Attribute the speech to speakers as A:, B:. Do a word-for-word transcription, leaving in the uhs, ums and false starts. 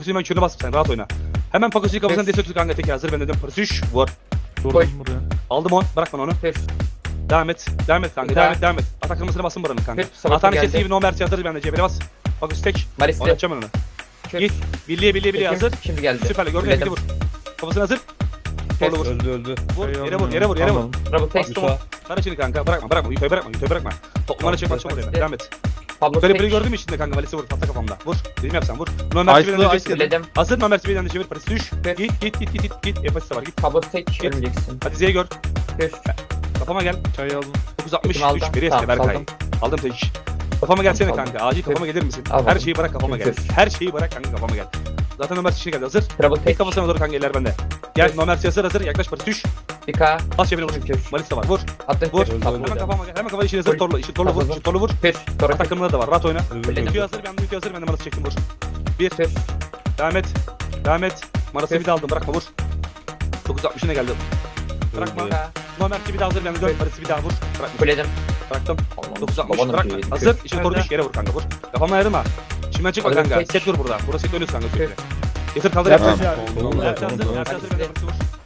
A: Hemen kürünü bas sen rahat oyna. Hemen Pakosu'yu kafasına destek tut kanka tek hazır ben dedim pırtış vur.
B: Koy.
A: Aldım on bırak bana onu.
B: Pes.
A: Devam et. Devam et kanka
B: Bir
A: devam
B: daha.
A: et devam et. Atak kırmızını basın buranın kanka.
B: Pes. Sabah
A: Atan
B: geldi.
A: ikisi gibi no mersi hazır bende cebine bas. Pakosu tek.
B: Maris'te.
A: Oynatacağım ben onu. Git. Birliğe birliğe birliğe hazır.
B: Şimdi geldi.
A: Süperle gördün
B: Biledim.
A: mü vur. Kafasına hazır.
B: Pes.
A: Vur vur.
C: Öldü öldü.
A: Vur yere vur yere vur yere vur.
B: Bravo tek.
A: Bastım onu. Kara çini kanka bırakma bırakma yukarı bırakma yukarı bırakma. Toplamana çek maçı oraya devam et.
B: Pablo
A: Böyle
B: tek.
A: biri gördün mü içinde kanka valisi vur tahta kafamda. Vur. Dedim yapsan vur. No mersi
C: Ice'lı,
A: birden de
C: Ice'lı.
A: çevir.
B: Biledim.
A: Hazır no mersi birden de çevir parası düş.
B: Pes.
A: Git git git git git git. Yapası var git.
B: Pablo tek. Ölmeyeceksin.
A: Hadi Z'ye gör.
B: Pes.
A: Kafama gel.
C: Çayı aldım.
A: dokuz altmış
B: Aldım.
A: üç biri eski
B: Tamam,
A: Berkay.
B: saldım.
A: Aldım tek. Kafama gelsene
B: Aldım.
A: kanka. Acil kafama gelir misin?
B: Al
A: Her
B: bakalım.
A: şeyi bırak kafama gel.
B: Pes.
A: Her şeyi bırak kanka kafama gel. Zaten Ömer işine geldi hazır.
B: Bravo
A: Tek
B: tek.
A: kafasına doğru kanka eller bende. Gel
B: Pes.
A: Ömer hazır hazır yaklaş parası düş.
B: Bir K.
A: Bas cebine vur.
B: Pes.
A: Malis de var vur.
B: Attın
A: Vur.
B: tek.
C: Öldü,
B: Pablo
C: öldü.
A: Hemen
B: tek.
A: kafama gel. Hemen kafayı işi hazır
B: Vur.
A: torlu. İşi torlu vur.
B: Atladım.
A: İşi torlu vur.
B: Pes. Sonra
A: Atak
B: tek.
A: kırmızıları da var. Rahat oyna.
B: Biledim.
A: Ütü hazır ben de ütü hazır ben de Malis çektim vur. Bir.
B: Pes.
A: Devam et. Devam et. Maras'ı
B: Pes.
A: bir de aldım bırakma vur. dokuz altmışına geldi. Bırakma.
C: Öldü.
A: Ömer bir daha hazır ben de dön. Maras'ı bir daha vur. Bırakma.
B: Biledim.
A: Bıraktım.
B: Allah'ım.
A: dokuz altmış
B: Babanın
A: bırakma.
B: şeyi.
A: Hazır. İşin doğru düş yere vur kanka vur. Kafama ayırma. Şimdiden çıkma
B: Aldım,
A: kanka.
B: tek.
A: Set dur burada. Burası set oynuyorsun kanka sürekli. Getir kaldır
C: Tamam.
A: yapacağız.
C: Tamam,
A: Yapacağız
C: tamam,
A: hazır.
C: tamam.
A: Yapacağız hazır. Ben de Maras'ı vur.